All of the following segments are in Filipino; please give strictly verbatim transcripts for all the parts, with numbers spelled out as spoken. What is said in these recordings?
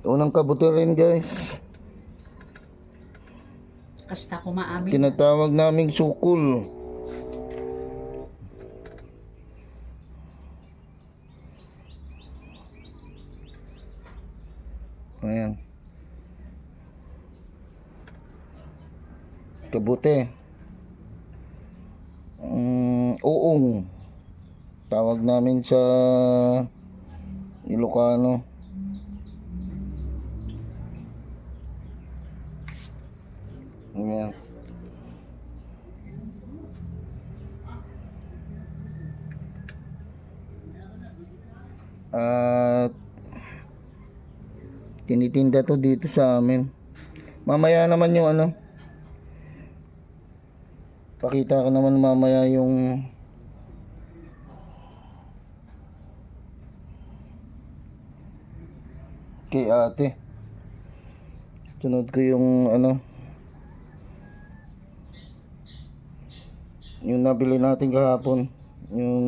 Unang kabute rin guys. Kasta ko maamin. Tinatawag naming sukul. Ayan. Kabute. Mm, uong. Tawag namin sa Ilocano. Ayan. At tinitinda to dito sa amin. Mamaya naman yung ano, pakita ko naman mamaya yung kay ate. Sunod ko yung ano, yung nabili natin kahapon, yung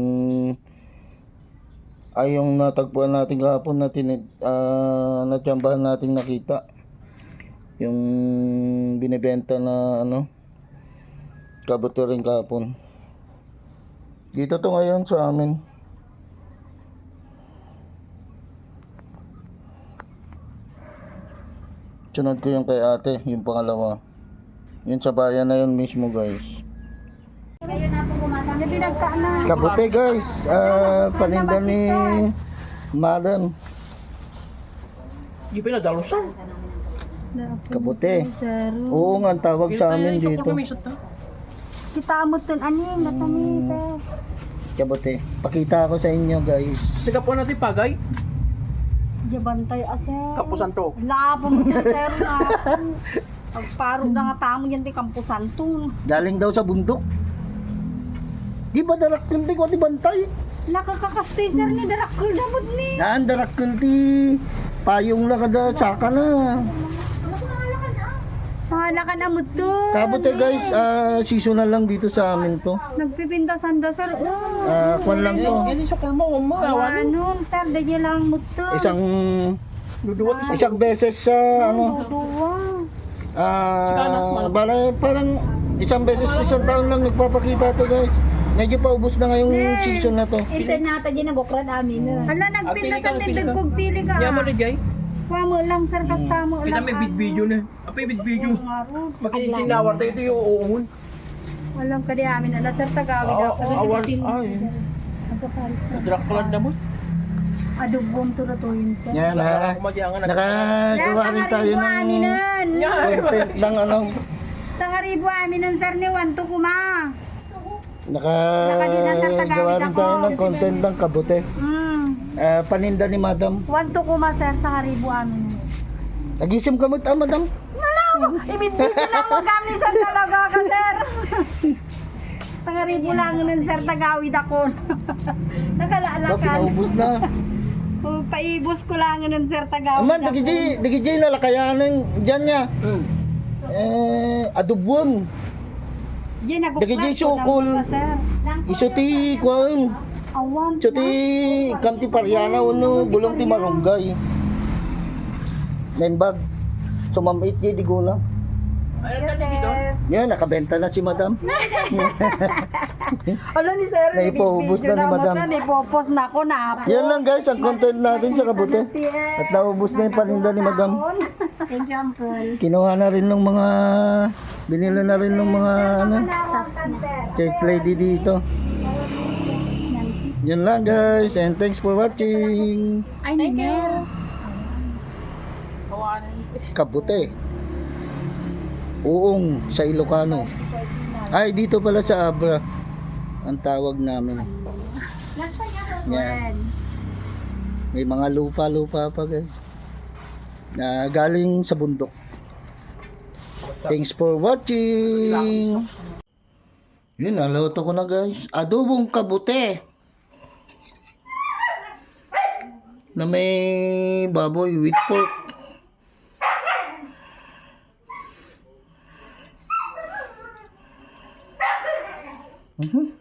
ay yung natagpuan natin kahapon na tinid, uh, natsambahan natin nakita yung binibenta na ano kabute rin kahapon. Dito to ngayon sa amin. Sunod ko yung kay ate, yung pangalawa. Yun sa bayan na yun mismo guys. Kabute guys, uh, paninda ni Madam. Di ba nadalusan? Kabute. Oo nga, ang tawag sa amin dito. Kita mo tun anin, natami sir. Kabute. Pakita ko sa inyo guys. Sige po natin pagay. Jabantay aser. Kapusan to. Labo mo dyan sir na. Pagparog na nga tamo yan di kampusan to. Galing daw sa bundok. Di ba darakul di ko di bantay? Nakakakastay sir ni darakul damod ni. Naan darakul di payong na kada saka na. Mahala ka na mo to. Kabute guys, uh, seasonal lang dito sa amin to. Nagpipinda-sanda sir. Oh. Ah, kwan lang to. Yan yung sukul mo, mo. Awan. Ano sir, dahil lang mo to. Isang Duduwat sa isang beses sa ano. Duwa. Ah, bala parang isang beses sa isang taon lang nagpapakita to guys. Medyo paubos na ngayong season na to. Ito nata dyan nagokrad amin. Hala, nagpinda sa tindag kong pili ka. Yan mo na jay. Kuha mo lang sir, kasta mo Kita lang. may bid video na. Apay bid video. Makinitinawar tayo ito yung uungon. Alam ka di amin na sir, tagawid Oo, ako. awan. Ay. Nagpaparis na. Draklan na mo. Adubong to na to yun sir. Yan ha. Nakagawa rin tayo ng aminan. content ng ano. Sa haribo aminan sir ni Wanto kuma. Nakagawa rin tayo ng content ng kabute. Hmm. Ah, paninda ni Madam. Wanto kuma sir sa haribo aminan. Nagisim ka mo ta Madam? Alam, ibinbidyo lang mo kami sir talaga ka sir. Sa haribo lang nun sir, tagawid ako. Ba, Nakalalakan. pinaubos na. Oh, paibos ko lang nun sir, tagawid Aman, ako. digijay, digijay na lakayanan dyan niya. Eh, adubon. Diyan, naguklat Digijay ko sukol. lang ka, sir. Iso ti, kwan. Awan. Iso ti, kanti paryana, uno, bulong ti marunggay. Membag. Sumamit niya, di gulang. Ay, natin dito. Yan, nakabenta na si Madam. Ala ni sir, Naipaubos na ni Madam. Naipopos na ako na. Yan lang guys, ang content natin sa kabute. At naubos na yung paninda ni Madam. Thank you, Uncle. Kinuha na rin ng mga, binila na rin ng mga, ano, church lady dito. Yan lang guys, and thanks for watching. Ay, Nina. Kabute. Uong sa Ilocano. Ay, dito pala sa Abra ang tawag namin. Yan. May mga lupa-lupa pa guys. Na galing sa bundok. Thanks for watching. Yun, naluto ko na guys. Adobong kabute. Na may baboy with pork. Mhm.